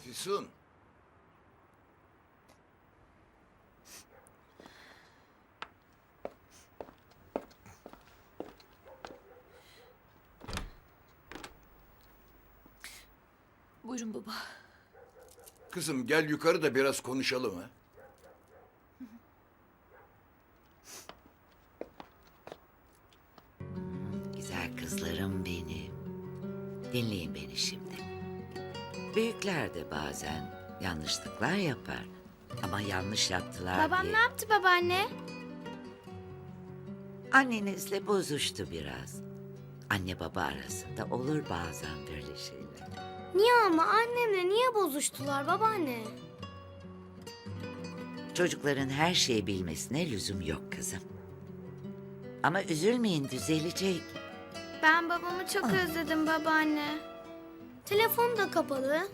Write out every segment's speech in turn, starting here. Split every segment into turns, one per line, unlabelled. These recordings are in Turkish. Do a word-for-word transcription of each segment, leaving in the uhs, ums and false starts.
Füsun.
Buyurun baba.
Kızım gel yukarı da biraz konuşalım ha.
Güzel kızlarım benim. Dinleyin beni şimdi. Büyükler de bazen yanlışlıklar yapar. Ama yanlış yaptılar
Babam
diye.
ne yaptı babaanne?
Annenizle bozuştu biraz. Anne baba arasında olur bazen böyle şeyler.
Niye ama annemle niye bozuştular babaanne?
Çocukların her şeyi bilmesine lüzum yok kızım. Ama üzülmeyin, düzelecek.
Ben babamı çok özledim babaanne. Telefonu da kapalı.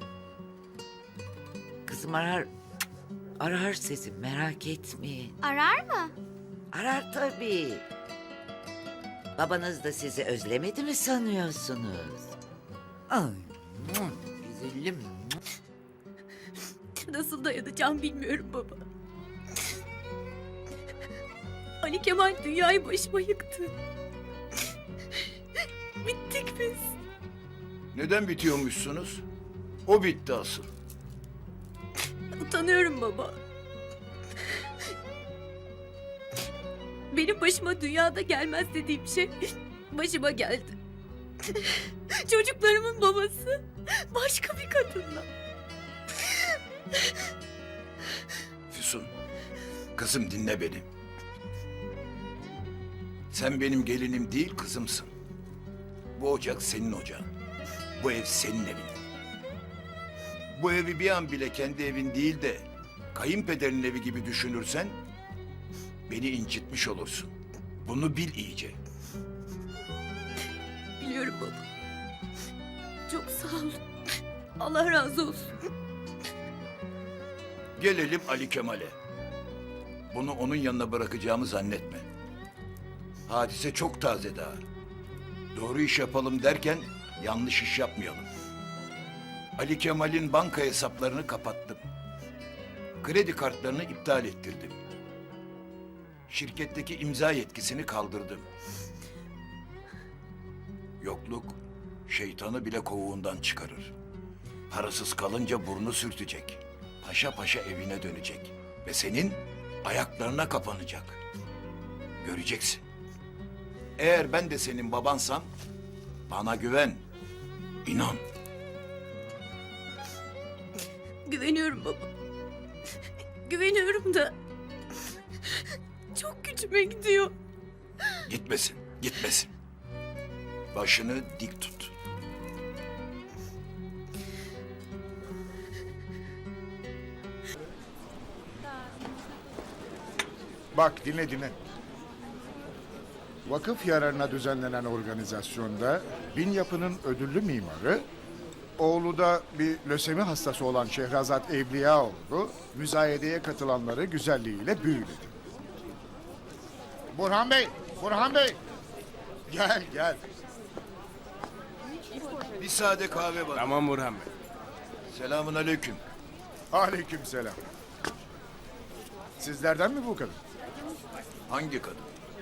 Kızım arar, arar sizi, merak etmeyin.
Arar mı?
Arar tabii. Babanız da sizi özlemedi mi sanıyorsunuz? Ay, güzelim.
Nasıl dayanacağım bilmiyorum baba. Ali Kemal dünyayı başıma yıktı. Bittik biz.
Neden bitiyormuşsunuz? O bitti asıl.
Utanıyorum baba. Benim başıma dünyada gelmez dediğim şey başıma geldi. Çocuklarımın babası başka bir kadınla.
Füsun. Kızım dinle beni. Sen benim gelinim değil kızımsın. Bu ocak senin ocağın. Bu ev senin evin. Bu evi bir an bile kendi evin değil de kayınpederin evi gibi düşünürsen beni incitmiş olursun. Bunu bil iyice.
Biliyorum baba. Çok sağ olun. Allah razı olsun.
Gelelim Ali Kemal'e. Bunu onun yanına bırakacağımı zannetme. Hadise çok taze daha. Doğru iş yapalım derken yanlış iş yapmayalım. Ali Kemal'in banka hesaplarını kapattım. Kredi kartlarını iptal ettirdim. Şirketteki imza yetkisini kaldırdım. Yokluk şeytanı bile kovuğundan çıkarır. Parasız kalınca burnu sürtecek. Paşa paşa evine dönecek. Ve senin ayaklarına kapanacak. Göreceksin. Eğer ben de senin babansam bana güven. İnan.
Güveniyorum baba. Güveniyorum da çok gücüme gidiyor.
Gitmesin, gitmesin. Başını dik tut.
Bak dinle dinle. Vakıf yararına düzenlenen organizasyonda Bin Yapı'nın ödüllü mimarı, oğlu da bir lösemi hastası olan Şehrazat Evliyaoğlu, müzayedeye katılanları güzelliğiyle büyüledi. Burhan Bey, Burhan Bey! Gel, gel.
Bir sade kahve var.
Tamam Burhan Bey.
Selamun aleyküm.
Aleykümselam. Sizlerden mi bu kadın?
Hangi kadın?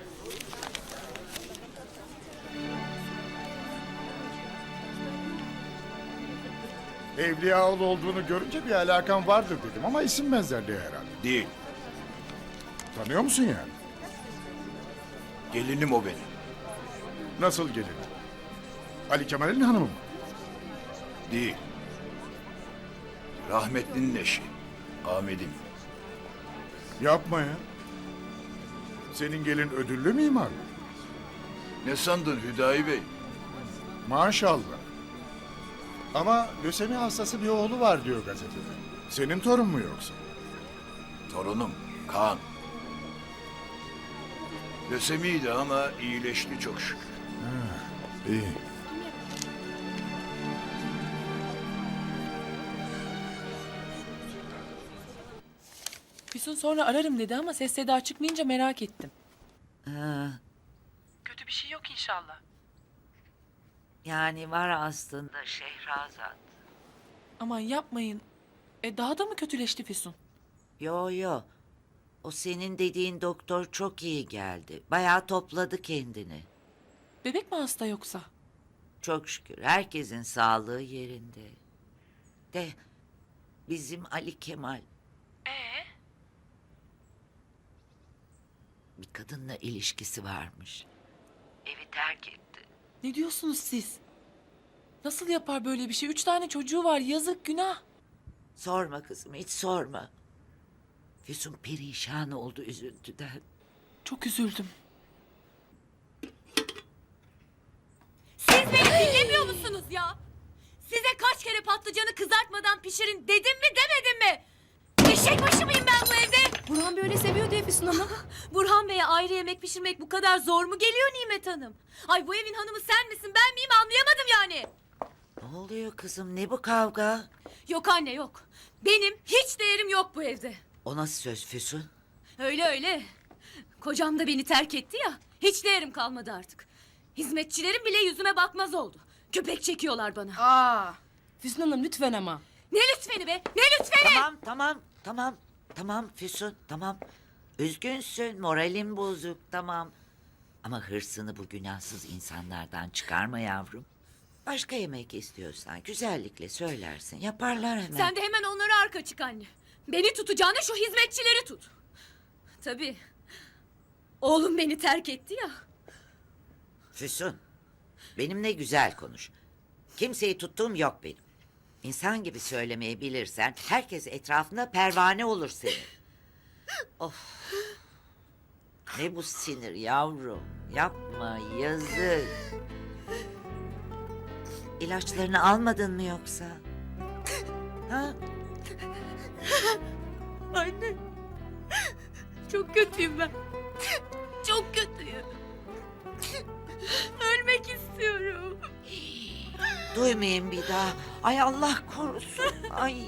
Evliyaoğlu olduğunu görünce bir alakan vardır dedim ama isim benzerliği herhalde.
Değil.
Tanıyor musun yani?
Gelinim o benim.
Nasıl gelin? Ali Kemal'in hanımı mı?
Değil. Rahmetlinin eşi. Ahmet'im.
Yapma ya. Senin gelin ödüllü mimar mı?
Ne sandın Hüdayi Bey?
Maşallah. Ama lösemi hastası bir oğlu var diyor gazetede. Senin torun mu yoksa?
Torunum Kaan. Lösemiydi ama iyileşti çok şükür.
İyi.
Füsun sonra ararım dedi ama ses seda çıkmayınca merak ettim.
Ha,
Kötü bir şey yok inşallah.
yani var aslında Şehrazat.
Aman yapmayın. E daha da mı kötüleşti Füsun?
Yo yo. O senin dediğin doktor çok iyi geldi. Bayağı topladı kendini.
Bebek mi hasta yoksa?
Çok şükür herkesin sağlığı yerinde. De bizim Ali Kemal
Ee?
bir kadınla ilişkisi varmış. Evi terk etti.
Ne diyorsunuz siz? Nasıl yapar böyle bir şey? Üç tane çocuğu var. Yazık, günah.
Sorma kızım, hiç sorma. Füsun perişan oldu üzüntüden.
Çok üzüldüm.
Siz beni dinlemiyor musunuz ya? Size kaç kere patlıcanı kızartmadan pişirin dedim mi demedim mi? Eşek başı mıyım ben bu evde?
Burhan böyle seviyor diye Füsun Hanım.
Burhan Bey'e ayrı yemek pişirmek bu kadar zor mu geliyor Nimet Hanım? Ay bu evin hanımı sen misin ben miyim anlayamadım yani.
Ne oluyor kızım, ne bu kavga?
Yok anne yok. Benim hiç değerim yok bu evde.
O nasıl söz Füsun?
Öyle öyle. Kocam da beni terk etti ya. Hiç değerim kalmadı artık. Hizmetçilerim bile yüzüme bakmaz oldu. Köpek çekiyorlar bana.
Aa, Füsun Hanım lütfen ama.
Ne lütfeni be? Ne lütfeni?
Tamam, tamam, tamam, tamam Füsun, tamam. Üzgünsün, moralin bozuk, tamam. Ama hırsını bu günahsız insanlardan çıkarma yavrum. Başka yemek istiyorsan güzellikle söylersin, yaparlar hemen.
Sen de hemen onlara arka çık anne. Beni tutacağına şu hizmetçileri tut. Tabii. Oğlum beni terk etti ya.
Füsun, benimle güzel konuş. Kimseyi tuttuğum yok benim. İnsan gibi söylemeyi bilirsen herkes etrafında pervane olur senin. Of. Ne bu sinir yavrum. Yapma, yazık. İlaçlarını almadın mı yoksa? Ha?
Anne. Çok kötüyüm ben. Çok kötüyüm. Ölmek istiyorum.
Duymayayım bir daha. Ay Allah korusun. Ay.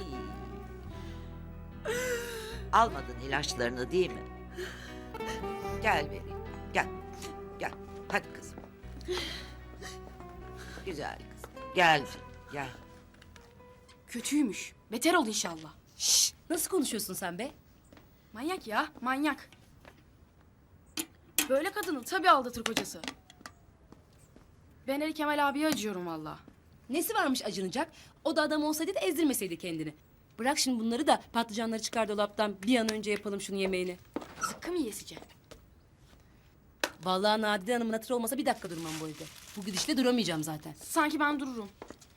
Almadın ilaçlarını değil mi? Gel vereyim. Gel. Gel. Hadi kızım. Güzel kızım. Gel. Gel.
Kötüymüş. Beter ol inşallah. Şşş, nasıl konuşuyorsun sen be? Manyak ya, manyak. Böyle kadını tabii aldatır kocası. Ben Ali Kemal abiye acıyorum valla. Nesi varmış acınacak? O da adam olsaydı da ezdirmeseydi kendini. Bırak şimdi bunları da patlıcanları çıkar dolaptan bir an önce yapalım şunu yemeğini. Zıkkı mı yeseceğim? Vallahi Nadide Hanım'ın hatırı olmasa bir dakika durmam bu evde. Bu gidişle duramayacağım zaten. Sanki ben dururum.